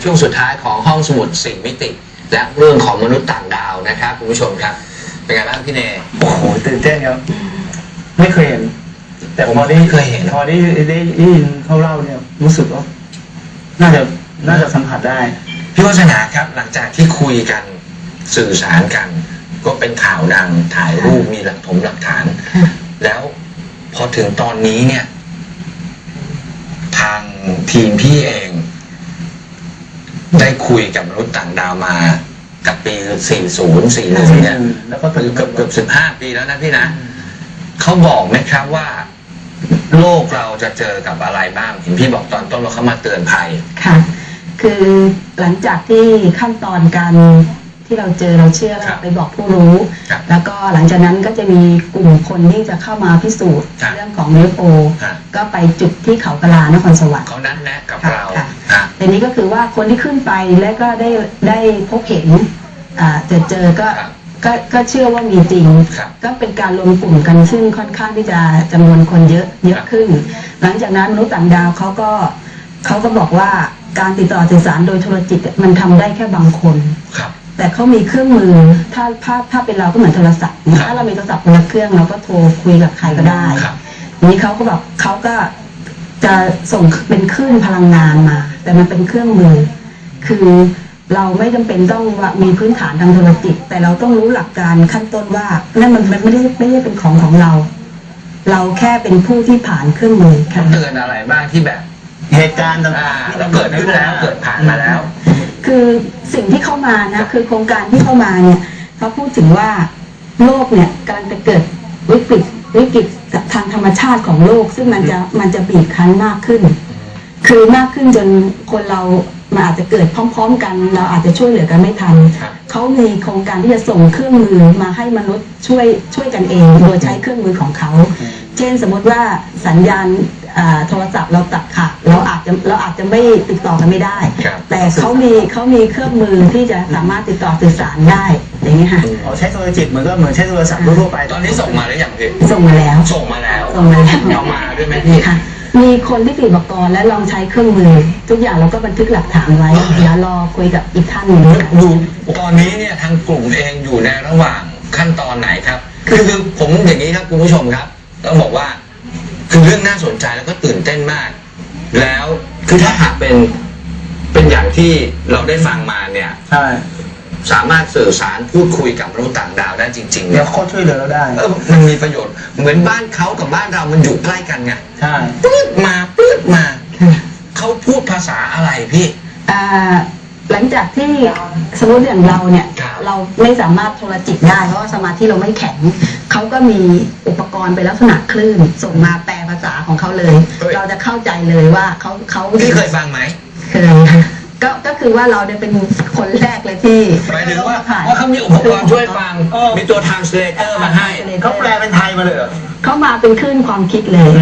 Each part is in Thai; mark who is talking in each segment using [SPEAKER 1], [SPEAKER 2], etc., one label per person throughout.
[SPEAKER 1] ช่วงสุดท้ายของห้องสมุด4 มิติและเรื่องของมนุษย์ต่างดาวนะครับคุณผู้ชมครับเป็นไงบ้างพี่เนย
[SPEAKER 2] โอ้โหตื่นเต้นครับไม่เคยเห็นแต่พอได้ยินเขาเล่าเนี่ยรู้สึกว่าน่าจะสัมผัสได้
[SPEAKER 1] พี่วัฒนาครับหลังจากที่คุยกันสื่อสารกันก็เป็นข่าวดังถ่ายรูปมีหลักฐานแล้วพอถึงตอนนี้เนี่ยทางทีมพี่เองได้คุยกับมนุษย์ต่างดาวมากับปี4041เนี่ย
[SPEAKER 2] แล้วก็
[SPEAKER 1] เกือบ15 ปีแล้วนะพี่นะเขาบอกไหมครับว่าโลกเราจะเจอกับอะไรบ้างเห็นพี่บอกตอนต้นว่าเขามาเตือนภัย
[SPEAKER 3] ค่ะคือหลังจากที่ขั้นตอนการที่เราเจอเราเชื่อไปบอกผู้รู้แล้วก็หลังจากนั้นก็จะมีกลุ่มคนที่จะเข้ามาพิสูจน์เรื่องของ UFO ก็ไปจุดที่เขากะลานครสวรรค์
[SPEAKER 1] เขานัดแนะกับเรา
[SPEAKER 3] แต่นี้ก็คือว่าคนที่ขึ้นไปและก็ได้พบเห็นเจอก็เชื่อว่ามีจริงก็เป็นการรวมกลุ่มกันซึ่งค่อนข้างที่จะจำนวนคนเยอะขึ้นหลังจากนั้นมนุษย์ต่างดาวเขาก็บอกว่าการติดต่อสื่อสารโดยโทรจิตมันทำได้แค่บางคนแต่เขามีเครื่องมือถ้าเป็นเราก็เหมือนโทรศัพท์ถ้าเรามีโทรศัพท์คนละเครื่องเราก็โทรคุยกับใครก็ได้นี้เขาก็แบบเขาก็จะส่งเป็นคลื่นพลังงานมาแต่มันเป็นเครื่องมือคือเราไม่จำเป็นต้องว่ามีพื้นฐานทางโทรจิตแต่เราต้องรู้หลักการขั้นต้นว่านั่นมันไม่ได้เป็นของเราเราแค่เป็นผู้ที่ผ่านเครื่องมือ
[SPEAKER 1] เตือนอะไรบ้างที่แบบ
[SPEAKER 2] เหตุการณ์ต่าง
[SPEAKER 1] ๆเราเกิดขึ้นแล้วเกิดผ่านมาแล้ว
[SPEAKER 3] คือสิ่งที่เข้ามานะคือโครงการที่เข้ามาเนี่ยเขาพูดถึงว่าโลกเนี่ยกำลังจะเกิดวิกฤตทางธรรมชาติของโลกซึ่งมันจะบีบคั้นมากขึ้นคือมากขึ้นจนคนเรามันอาจจะเกิดพร้อมๆกันเราอาจจะช่วยเหลือกันไม่ทันเขามีโครงการที่จะส่งเครื่องมือมาให้มนุษย์ช่วยกันเองโดยใช้เครื่องมือของเขาเช่นสมมติว่าสัญญาณโทรศัพท์เราตัดขาดเราอาจจะไม่ติดต่อกันไม่ได้แต่เขามีเครื่องมือที่จะสามารถติดต่อสื่อสารได้อย่างนี้ค่ะ
[SPEAKER 2] ใช้โทรจิตเหมือนใช้โทรศัพท์ทั่วไป
[SPEAKER 1] ตอนนี้ส่งมาหรือยังพี่
[SPEAKER 3] ส่งมาแล้ว
[SPEAKER 1] เอามาด้วยไหมพี่
[SPEAKER 3] มีคนที่ติดอุปกรณ์และลองใช้เครื่องมือทุกอย่างเราก็บันทึกหลักฐานไว้เดี๋ยวรอคุยกับอีกท่านหนึ่ง
[SPEAKER 1] ดูตอนนี้เนี่ยทางกลุ่มเองอยู่ในระหว่างขั้นตอนไหนครับคือผมอย่างนี้ครับคุณผู้ชมครับต้องบอกว่าคือเรื่องน่าสนใจแล้วก็ตื่นเต้นมากแล้วคือถ้าหากเป็นอย่างที่เราได้ฟังมาเนี่ย
[SPEAKER 2] ใช่
[SPEAKER 1] สามารถสื่อสารพูดคุยกับมนุษย์ต่างดาวได้จริงๆ
[SPEAKER 2] แล้วเขาช่วยเหลือเราได้
[SPEAKER 1] มันมีประโยชน์เหมือนบ้านเขากับบ้านเรามันอยู่ใกล้กันไง
[SPEAKER 2] ใช่
[SPEAKER 1] ปื๊ดมาเขาพูดภาษาอะไรพี่
[SPEAKER 3] หลังจากที่สมมติอย่างเราเนี่ยเราไม่สามารถโทรจิตได้เพราะว่าสมาธิเราไม่แข็งเขาก็มีอุปกรณ์เป็นลักษณะคลื่นส่งมาแปลภาษาของเขาเลยเราจะเข้าใจเลยว่าเขา
[SPEAKER 1] พี่เคยฟังไหม
[SPEAKER 3] เคยก็คือว่าเราเนี่ยเป็นคนแรกเลยที่
[SPEAKER 1] หมายถึงว่าเขามีอุปกรณ์ช่วยฟังมีตัว translator มาให้
[SPEAKER 2] เขาแปลเป็นไทยมาเลย
[SPEAKER 3] เขามาเป็นคลื่นความคิดเลย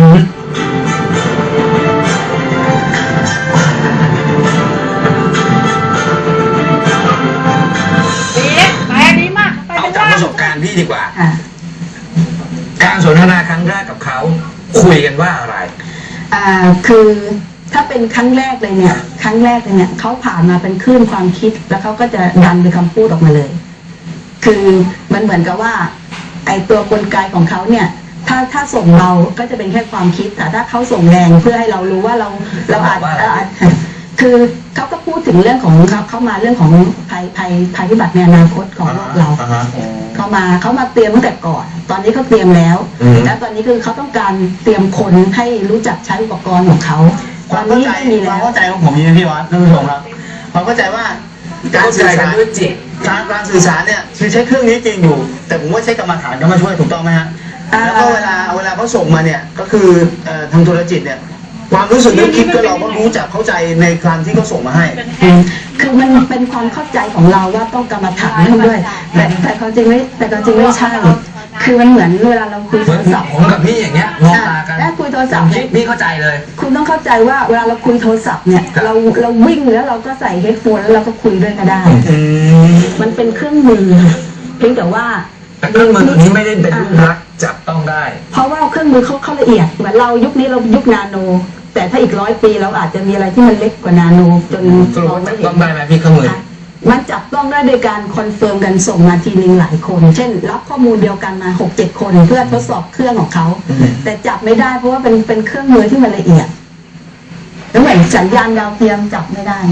[SPEAKER 1] เอาจากประสบการณ์พี่ดีกว่าการสนทนาครั้งแรกกับเขาคุยกันว่าอะไร
[SPEAKER 3] คือถ้าเป็นครั้งแรกเลยเนี่ยเขาผ่านมาเป็นคลื่นความคิดแล้วเขาก็จะดันเป็นคำพูดออกมาเลยคือมันเหมือนกับว่าไอตัวกลไกของเขาเนี่ยถ้าส่งเราก็จะเป็นแค่ความคิดแต่ถ้าเขาส่งแรงเพื่อให้เรารู้ว่าเราอาจคือเขาก็พูดถึงเรื่องของเขามาเรื่องของภัยพิบัติในอนาคตของโลกเราเขามาเตรียมตั้งแต่ก่อนตอนนี้เขาเตรียมแล้วแล้วตอนนี้คือเขาต้องการเตรียมคนให้รู้จักใช้อุปกรณ์ของเขา
[SPEAKER 2] ความเข้าใจของผมนี่พี่วัดท่านผู้ชมครับความเข้าใจว่าการสื่อสารด้วยจิตการสื่อสารเนี่ยคือใช้เครื่องนี้จริงอยู่แต่ผมว่าใช้กรรมฐานก็มาช่วยถูกต้องไหมฮะแล้วก็เวลาเขาส่งมาเนี่ยก็คือทางโทรจิตเนี่ยความรู้สึกนึกคิดก็เราก็รู้จักเข้าใจในการที่เขาส่งมาให้
[SPEAKER 3] คือมันเป็นความเข้าใจของเราว่าต้องกรรมฐานด้วยแต่เขาจริงไม่ใช่คือมันเหมือนเวลาเราคุยโทรศัพท์
[SPEAKER 1] ผมกับพี่อย่างเงี้ยมองตากัน
[SPEAKER 3] แล้วคุยโทรศัพท์
[SPEAKER 1] พี่เข้าใจเลย
[SPEAKER 3] คุณต้องเข้าใจว่าเวลาเราคุยโทรศัพท์เนี่ยเราวิ่งแล้วเราก็ใส่เฮดโฟนแล้วเราก็คุยด้วยก็ได้มันเป็นเครื่องมือเพียงแต่ว่า
[SPEAKER 1] เครื่องมือตัวนี้ไม่ได้เป็นรักจับต้องได้
[SPEAKER 3] เพราะว่าเครื่องมือเขาละเอียดเหมือนเรายุคนี้เรายุคนาโนแต่ถ้าอีก100 ปีเราอาจจะมีอะไรที่มันเล็กกว่านาโนจน
[SPEAKER 1] สรุป
[SPEAKER 3] มอง
[SPEAKER 1] ว่า
[SPEAKER 3] ไม่
[SPEAKER 1] จับ
[SPEAKER 3] เห็
[SPEAKER 1] ต้อน งได้ไหมพี่เครื่องมือ
[SPEAKER 3] มันจับต้องได้โดยการคอนเฟิร์มกันส่งมาทีนึงหลายคน เช่นรับข้อมูลเดียวกันมา 6-7 คนเพื่อทดสอบเครื่องของเขาแต่จับไม่ได้เพราะว่าเป็นเครื่องมือที่มันละเอียดแล้วเหมือนสัญญาณดาวเทียมจับไม่ได้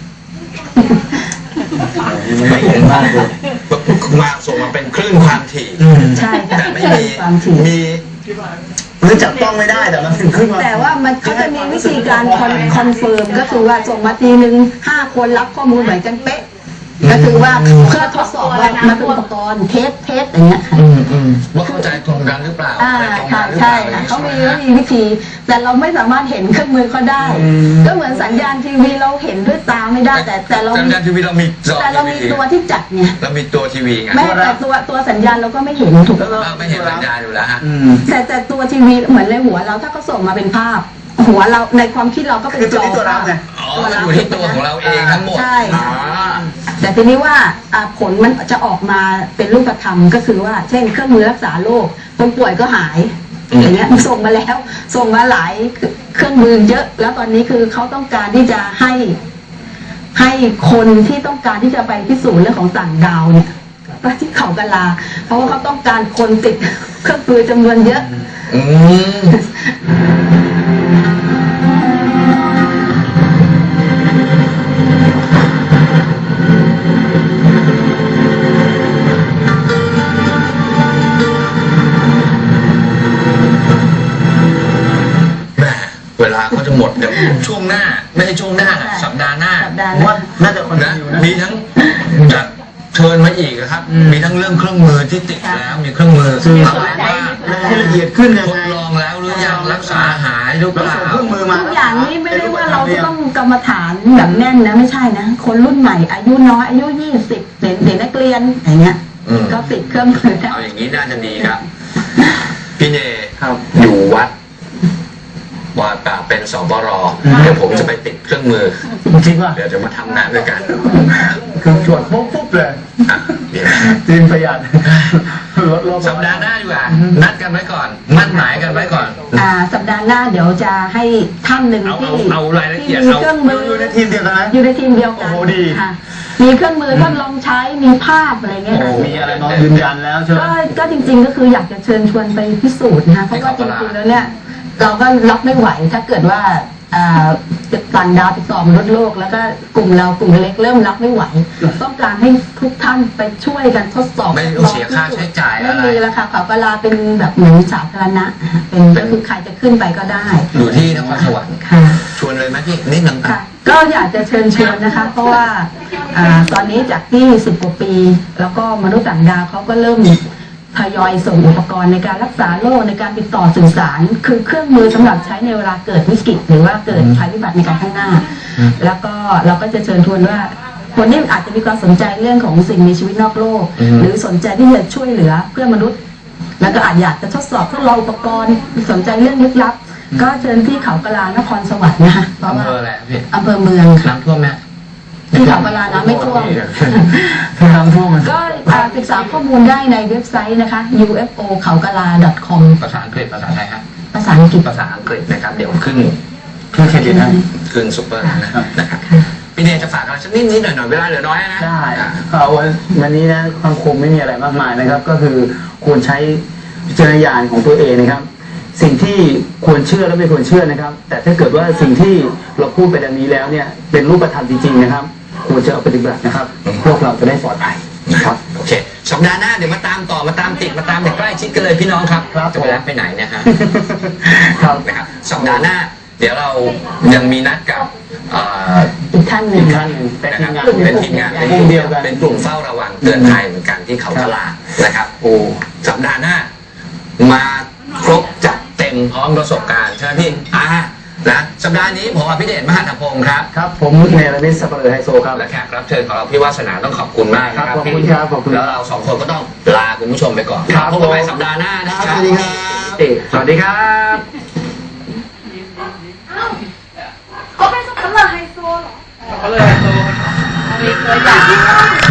[SPEAKER 1] ไม่เห็นมากเลยมาส่งมาเป็นคลื่นความถี่
[SPEAKER 3] ใช่ค่ะ
[SPEAKER 1] แต่ไม่มี
[SPEAKER 3] ความถี่
[SPEAKER 1] มี
[SPEAKER 2] หรือจับต้องไม่ได้แต่มันถึงขึ้นมา
[SPEAKER 3] แต่ว่ามันเขาจะมีวิธีการคอนเฟิร์มก็คือว่าส่งมาทีนึง5 คนรับข้อมูลเหมือนกันเป๊ะก็คือว่าเพื่อทดสอบว่ามันเป็นอุปกรณ์เทสอย่างเงี้ยค่ะ
[SPEAKER 1] ว่าเข้าใจตรงกันหรือเปล่า
[SPEAKER 3] อ่า
[SPEAKER 1] อะไรตรง
[SPEAKER 3] ค่ะ
[SPEAKER 1] กันหรือเป
[SPEAKER 3] ใช่
[SPEAKER 1] ล่า
[SPEAKER 3] ค่ะเขามีวิธี แต่เราไม่สามารถเห็นเครื่องมือเขาได้ ก็เหมือนสัญญาณทีวีเราเห็นด้วยตาไม่ได้แต่เรา
[SPEAKER 1] สัญญาณทีวีเรามีจอ
[SPEAKER 3] แต่เรามีตัวที่จัดไง
[SPEAKER 1] เรามีตัวทีวีไง
[SPEAKER 3] แม้แต่ตัวสัญญาณเราก็ไม่เห็นถูกไหม
[SPEAKER 1] ไม่เห็นสัญญาณอยู่แล้วฮะ
[SPEAKER 3] แต่ตัวทีวีเหมือนในหัวเราถ้าเขาส่งมาเป็นภาพ หัวเราในความคิดเราก็เป็น
[SPEAKER 2] คือ
[SPEAKER 3] จ
[SPEAKER 2] ตัว
[SPEAKER 3] อ
[SPEAKER 2] นี้ตัวเราไง
[SPEAKER 1] อ๋อมันอยู่ที่ตัวของเราเองทั้งหมด
[SPEAKER 3] ใช่
[SPEAKER 1] อ๋อ
[SPEAKER 3] แต่ทีนี้ว่าผลมันจะออกมาเป็นรูปธรรมก็คือว่าเช่นเครื่องมือรักษาโรคคนป่วยก็หายอย่างเงี้ยส่งมาแล้วส่งมาหลายเครื่องมือเยอะ แล้วตอนนี้คือเขาต้องการที่จะให้คนที่ต้องการที่จะไปพิสูจน์เรื่องของต่างดาวเนี่ยไปที่เขากะลา เพราะว่าเขาต้องการคนติดเครื่องมือจำนวนเยอะ
[SPEAKER 1] อืมแหม่เวลาเขาจะหมดเดี๋ยวช่วงหน้า ไม่ใช่ช่วงหน้า สัปดาห์หน้า
[SPEAKER 3] สัปดาห์
[SPEAKER 2] ผมว่าน่าจะคอน
[SPEAKER 1] นะ
[SPEAKER 2] ติเนียนะ
[SPEAKER 1] มีทั้งจะเชิญมาอีกนะครับ มีทั้งเรื่องเครื่องมือที่ติดแล้ว มีเครื่องมือ
[SPEAKER 2] มี
[SPEAKER 1] ทำอะไรบ้าง
[SPEAKER 2] ให้ละเอียดขึ้นยัง
[SPEAKER 1] ท
[SPEAKER 2] ไง
[SPEAKER 1] ดลองแล้วหรือยังรักษาหายหรือเป
[SPEAKER 2] เรา
[SPEAKER 1] ล่า
[SPEAKER 2] ส่งเครื่องมือมา
[SPEAKER 3] ทุกอย่างนี้ไม่ได้ว่าเราจะต้องกรรมฐานแบบแน่นนะไม่ใช่นะ คนรุ่นใหม่อายุน้อยอายุ20เด็กนักเรียนอย่างเงี้ย
[SPEAKER 1] อืม
[SPEAKER 3] ก็ติดเครื่องมือได้
[SPEAKER 1] เอาอย่างนี้น่าจะดีครับ พี่เน
[SPEAKER 2] ครับ
[SPEAKER 1] อยู่วัดวาป่าเป็นสปรเดี๋ยวผมจะไปติดเครื่องมือ
[SPEAKER 2] จริงป่ะ
[SPEAKER 1] เดี๋ยวจะมาทำงานด้วยกัน
[SPEAKER 2] คือจวดปุ๊บเลย
[SPEAKER 1] อ่ะเดี๋ยว
[SPEAKER 2] จริงประหยัดลดโลก
[SPEAKER 1] สัปดาห์หน้าดีกว่า นัดกันไว้ก่อน มั่นหมายกันไว้ก่อน
[SPEAKER 3] สัปดาห์หน้าเดี๋ยวจะให้ท่านหนึ่ง
[SPEAKER 1] เอา
[SPEAKER 3] ที่
[SPEAKER 1] เอารายละเอียด
[SPEAKER 3] ที่มี
[SPEAKER 1] เอา
[SPEAKER 3] เครื่องมือ
[SPEAKER 2] อยู่ในทีมเดียวกันไหม
[SPEAKER 3] อยู่ในทีมเดียวกัน
[SPEAKER 2] โอ้โหดี
[SPEAKER 3] ค่ะมีเครื่องมือทดลองใช้มีภาพอะไรเงี้ย
[SPEAKER 2] โอ้
[SPEAKER 3] ค่ะ
[SPEAKER 2] มีอะไรมายืนยันแล้วใช่ไหม
[SPEAKER 3] ก็จริงๆก็คืออยากจะเชิญชวนไปพิสูจน์นะคะเพราะว่าจริงๆแล้วเนี่ยเราก็รับไม่ไหวถ้าเกิดว่าต่างดาวติดต่อมนุษย์โลกแล้วก็กลุ่มเรากลุ่มเล็กเริ่มรับไม่ไหว ต้องการให้ทุกท่านไปช่วยกันทดสอบ
[SPEAKER 1] ไม่ต้องเสียค่าใช้จ่าย
[SPEAKER 3] ไม่
[SPEAKER 1] อะไร
[SPEAKER 3] มีแล้วค่ะเขากะลาเป็นแบบเหมือนสาธารณะเป็นก็คือใครจะขึ้นไปก็ได้
[SPEAKER 1] อยู่ที่นครสวรรค์
[SPEAKER 3] ค่ะ
[SPEAKER 1] ชวนเลยไหมพี่นิดนึง
[SPEAKER 3] ค่ะก็อยากจะเชิญชวนนะคะ เพราะว่าตอนนี้จากที่10 กว่าปี แล้วก็มนุษย์ต่างดาวเขาก็เริ่มทยอยส่งอุปกรณ์ในการรักษาโรคในการติดต่อสื่อสาร คือเครื่องมือสำหรับใช้ในเวลาเกิดวิกฤตหรือว่าเกิดภัยพิบัติในการข้างหน้า แล้วก็เราก็จะเชิญชวนว่าคนที่อาจจะมีความสนใจเรื่องของสิ่งมีชีวิตนอกโลก หรือสนใจที่จะช่วยเหลือเพื่อนมนุษย์ แล้วก็อาจอยากจะทดสอบทดลองอุปกรณ์สนใจเรื่องลึกลับ ก็เชิญที่เขากะลานครสวรรค์นะคะเพราะ
[SPEAKER 1] อำ
[SPEAKER 3] ว่า
[SPEAKER 1] เภออะไรพี่
[SPEAKER 3] อำเภอเมืองค่ะ
[SPEAKER 1] น้ำท่วมไหม
[SPEAKER 3] ที่เขากะลาน้ำไม่ท่วม
[SPEAKER 2] น้ำท่วมมัน
[SPEAKER 3] ก็ศึกษาข้อมูลได้ในเว็บไซต์นะคะ ufo เขากะลา .com
[SPEAKER 1] ภาษาอังกฤษภาษาไทยฮะ
[SPEAKER 3] ภาษาอังกฤษ
[SPEAKER 1] ภาษาอังกฤษนะครับ เดี๋ยวขึ้น
[SPEAKER 2] คือเครดิตนะ
[SPEAKER 1] ขึ้นซุปเปอร์นะครับพี่เนยจะฝากอะไรสักนิดๆหน่อยๆเวลาเหลือน้อยนะ
[SPEAKER 2] ได้เอาวันนี้นะคำคมไม่มีอะไรมากมายนะครับ ก็คือควรใช้วิจารณญาณของตัวเองนะครับ สิ่งที่ควรเชื่อและไม่ควรเชื่อนะครับ แต่ถ้าเกิดว่าสิ่งที่เราพูดไปดังนี้แล้วเนี่ยเป็นรูปธรรมจริงๆนะครับควรจะเอาปฏิบัตินะครับ พวกเราจะได้ปลอดภัย
[SPEAKER 1] นะครับ โอเค สัปดาห์หน้าเดี๋ยวมาตามต่อมาตามติดมาตามอย่างใกล้ชิดกันเลยพี่น้องครับ
[SPEAKER 2] ครับ
[SPEAKER 1] จะไปรับไปไหนเนะฮะ
[SPEAKER 2] ครับ
[SPEAKER 1] นะครับสัปดาห์หน้า เดี๋ยวเรายังมีนัดกับ
[SPEAKER 3] อีกท่านหนึ่
[SPEAKER 2] อี
[SPEAKER 3] ง
[SPEAKER 2] กท่านหนึ่งเป็น
[SPEAKER 1] นะค
[SPEAKER 2] ที
[SPEAKER 1] รับ
[SPEAKER 2] มงาน
[SPEAKER 1] เป็นทีมงาน
[SPEAKER 2] กลุ่มเดียวกัน
[SPEAKER 1] เป็นกลุ่มเฝ้าระวังเตือนภัยเหมือนกันที่เขากะลานะครับโอ้สัปดาห์หน้า มาครบจัดเต็มพร้อมประสบการณ์ใช่ไหมพี่นะสัปดาห์นี้ผมอภิเดชมหาธพงศ์ครับ
[SPEAKER 2] ครับผมเนรมิตสัปเหร่อไฮโซครับ
[SPEAKER 1] และแขกรับเชิญของเราพี่วาสนาต้องขอบคุณมากนะค
[SPEAKER 2] ครั
[SPEAKER 1] รับบ
[SPEAKER 2] ขอบคุณครับขอบคุณ
[SPEAKER 1] แล้วเราสองคนก็ต้องลาคุณผู้ชมไปก่อน
[SPEAKER 2] ครับ
[SPEAKER 1] พบกันใหม่สัปดาห์หน้านะค
[SPEAKER 2] ส
[SPEAKER 1] รับ
[SPEAKER 2] วัสดีครับ
[SPEAKER 1] สวัสดีครับ
[SPEAKER 4] เขาเป็นสับปะเลอไฮโซเหรอ
[SPEAKER 5] เขาเลยโต
[SPEAKER 4] ไม่เคยอยาก